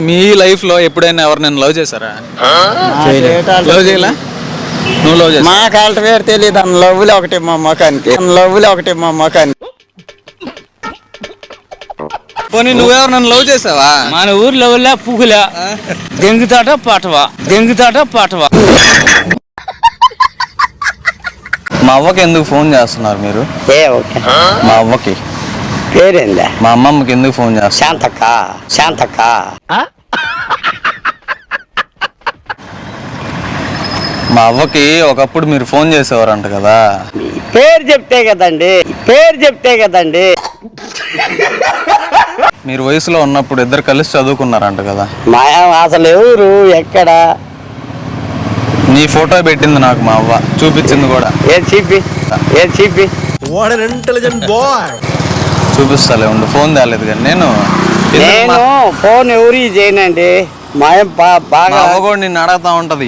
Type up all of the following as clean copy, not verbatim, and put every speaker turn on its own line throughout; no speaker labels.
మీ life లో ఎప్పుడైనా ఎవరినైనా లవ్ చేశారా? లవ్ చేయలే? నువ్వు లవ్ చేసా?
మా కాళ్ళ పేరు తెలియదు అన్న లవ్వులు ఒకటి మా మొఖానికి
పోనీ నువ్వెవరు లవ్ చేసావా?
మన ఊర్లో పువ్వుల దెంగుతాట పాటవా.
మా అవ్వకి ఎందుకు ఫోన్ చేస్తున్నారు మీరు? మా అవ్వకి
పేరేందా?
మా అమ్మమ్మకి ఎందుకు ఫోన్ చేస్తారు?
శాంతక్క
మా అవ్వకి ఒకప్పుడు మీరు ఫోన్ చేసేవారంట కదా.
పేరు చెప్తే కదండి.
మీరు వయసులో ఉన్నప్పుడు ఇద్దరు కలిసి చదువుకున్నారంట కదా.
మా అసలు ఎవరు ఎక్కడ?
నీ ఫోటో పెట్టింది నాకు మా అవ్వ, చూపించింది కూడా.
ఏ చీపి
చూపిస్తాలే ఉండు, ఫోన్ తేలేదు కానీ నేను
ఫోన్ ఎవరు చేయనండి. మా బాగా
అవ్వ కూడా నిన్ను అడగతా ఉంటది.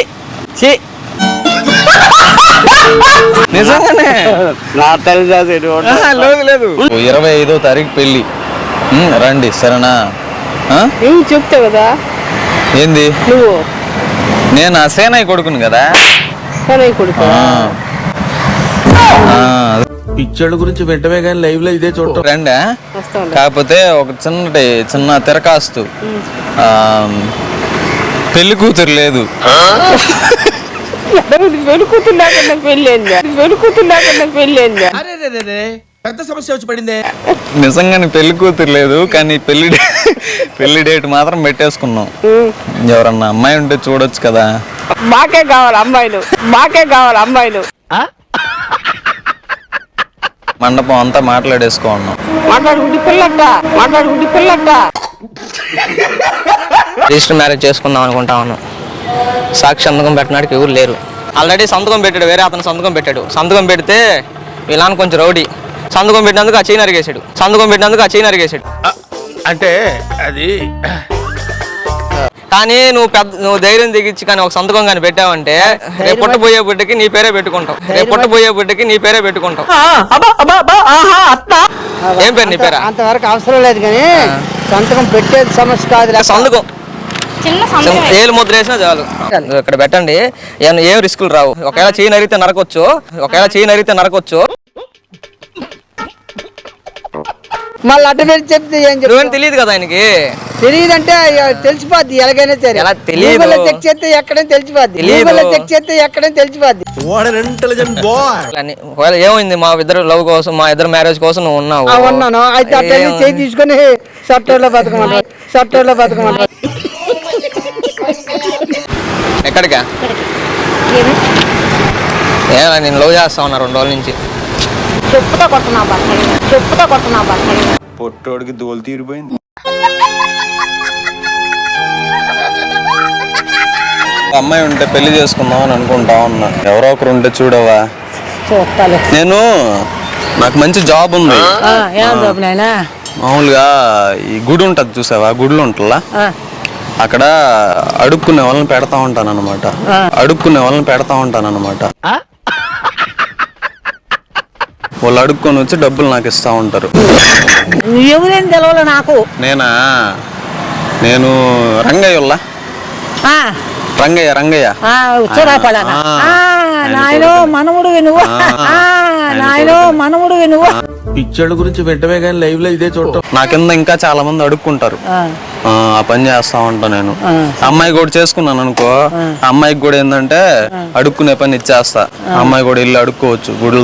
నిజంగానే
నా తెలుసా?
లేదు 25వ తారీఖు పెళ్లి, రండి సరేనా?
చెప్తావు కదా
ఏంది?
నువ్వు
నేను ఆ సేనయ్య కొడుకును కదా.
కొడుకు
పిక్చర్ల గురించి వెంటనే కానీ లైవ్ లో ఇదే చూడటం
రండి. కాకపోతే ఒక చిన్న తిరకాస్తు, పెళ్లి కూతురు లేదు.
పెళ్ళి
పెద్ద సమస్య వచ్చి పడిందే.
నిజంగానే పెళ్లి కూతురు లేదు, కానీ పెళ్లి డేట్ మాత్రం పెట్టేసుకున్నాం. ఎవరన్నా అమ్మాయి ఉంటే చూడొచ్చు కదా.
మాకే కావాలి అమ్మాయిలు.
మండపం అంతా మాట్లాడేసుకున్నాం.
మాట్లాడుకుంటే పిల్లట
రిజిస్టర్ మ్యారేజ్ చేసుకుందాం అనుకుంటా ఉన్నాం. సాక్షి సంతకం పెట్టడానికి ఎవరు లేరు. ఆల్రెడీ సంతకం పెట్టాడు, వేరే అతను సంతకం పెట్టాడు. సంతకం పెడితే వీళ్ళని కొంచెం రౌడీ, సంతకం పెట్టినందుకు ఆ చైన్ అరిగేసాడు.
అంటే అది
కానీ నువ్వు ధైర్యం దిగించి కానీ ఒక సంతకం కానీ పెట్టావంటే రేపు పుట్టబోయే బిడ్డకి నీ పేరే పెట్టుకుంటావు. ఏం పేరు నీ పేరు?
అంతవరకు అవసరం లేదు కానీ సంతకం పెట్టేది సమస్య కాదు.
సంతకం ఏలు ముద్ర వేసినా చాలు. ఇక్కడ పెట్టండి, ఏం రిస్కులు రావు. ఒకవేళ చైన్ అరిగితే నరకొచ్చు.
మళ్ళీ అడ్డ పెట్టి చెప్తే ఏం
నువ్వేం తెలియదు కదా ఆయనకి.
తెలియదంటే తెలిసిపోద్ది ఎలాగైనా సరే.
ఎలా తెలియదు?
చెక్ చేస్తే ఎక్కడైనా తెలిసిపోద్ది.
ఒకవేళ ఏమైంది మా ఇద్దరు లవ్ కోసం, మా ఇద్దరు మ్యారేజ్ కోసం నువ్వు ఉన్నావు.
ఉన్నాను అయితే అట్లా చేయి తీసుకొని సాఫ్ట్వేర్లో బతకమంటారు.
ఎక్కడికా? నేను లవ్ చేస్తా ఉన్నా 2 రోజుల నుంచి.
చెప్పుతో కొట్టనా
పొట్టోడికి దోలు తీరిపోయింది. అమ్మాయి ఉంటే పెళ్లి చేసుకుందాం అని అనుకుంటా ఉన్నా. ఎవరో ఒకరు ఉంటే చూడవా? నాకు మంచి జాబ్ ఉంది. మామూలుగా ఈ గుడి ఉంటది చూసావా, గుడిలో ఉంటుందా, అక్కడ అడుక్కునే వాళ్ళని పెడతా ఉంటాను అనమాట. వాళ్ళు అడుక్కొని వచ్చి డబ్బులు నాకు ఇస్తా ఉంటారు.
ఎవరేం తెలవాలి నాకు.
నేను రంగయ్య
మనముడు నువ్వు.
పిక్చర్ల గురించి వెంటనే కానీ లైవ్ లో ఇదే చూడటం.
నా కింద ఇంకా చాలా మంది అడుక్కుంటారు. ఆ పని చేస్తా ఉంటా నేను. అమ్మాయి కూడా చేసుకున్నాను అనుకో, అమ్మాయికి కూడా ఏంటంటే అడుక్కునే పని ఇచ్చేస్తా. అమ్మాయి కూడా ఇల్లు అడుక్కోవచ్చు గుడుల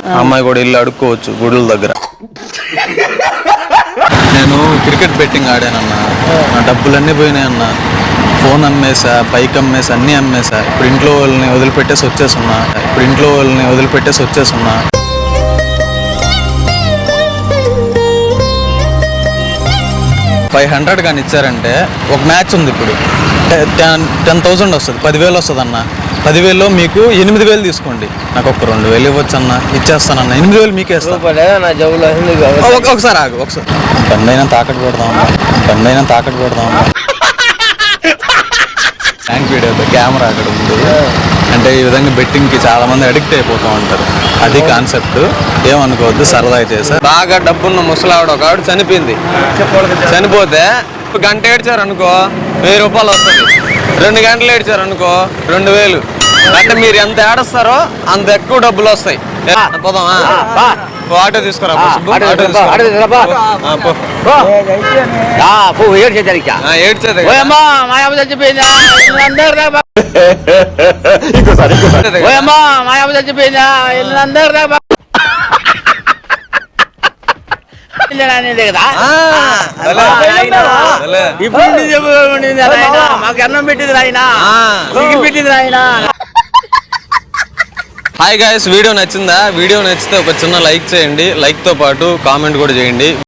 దగ్గర. నేను క్రికెట్ బెట్టింగ్ ఆడానన్నా, నా డబ్బులన్నీ పోయినాయన్నా. ఫోన్ అమ్మేసా, బైక్ అమ్మేసా, అన్నీ అమ్మేసా. ఇప్పుడు ఇంట్లో వాళ్ళని వదిలిపెట్టేసి వచ్చేసున్నా. 500 కానీ ఇచ్చారంటే ఒక మ్యాచ్ ఉంది. ఇప్పుడు 10,000 వస్తుంది, 10,000 వస్తుంది అన్న. 10,000లో మీకు 8,000 తీసుకోండి. నాకు ఒక 2,000 ఇవ్వచ్చు అన్న, ఇచ్చేస్తానన్న. 8,000 మీకే ఇస్తాను. ఒకసారి ఆగు, బండైనా తాకట్టు పెడదాం. బ్యాంక్ వీడియోతో కెమెరా అక్కడ ఉంది. అంటే ఈ విధంగా బెట్టింగ్కి చాలా మంది అడిక్ట్ అయిపోతూ ఉంటారు. అది కాన్సెప్ట్, ఏమనుకోవద్దు, సరదాగా చేశారు. బాగా డబ్బున్న ముసలావిడ ఒక ఆవిడ చనిపోతే గంట ఏడ్చారు అనుకో 1000 రూపాయలు వస్తుంది. 2 గంటలు ఏడ్చారు అనుకో 2000. అంటే మీరు ఎంత ఏడుస్తారో అంత ఎక్కువ డబ్బులు వస్తాయి. పోదామా? ఆటో తీసుకురా పో సుబ్బు. ఆటో తీసుకురా. పో. ఏడ్చేదే
మాకు అన్నం పెట్టింది నాయన, పెట్టింది నాయన.
హాయ్ గాయ్స్, వీడియో నచ్చిందా? వీడియో నచ్చితే ఒక చిన్న లైక్ చేయండి. లైక్ తో పాటు కామెంట్ కూడా చేయండి.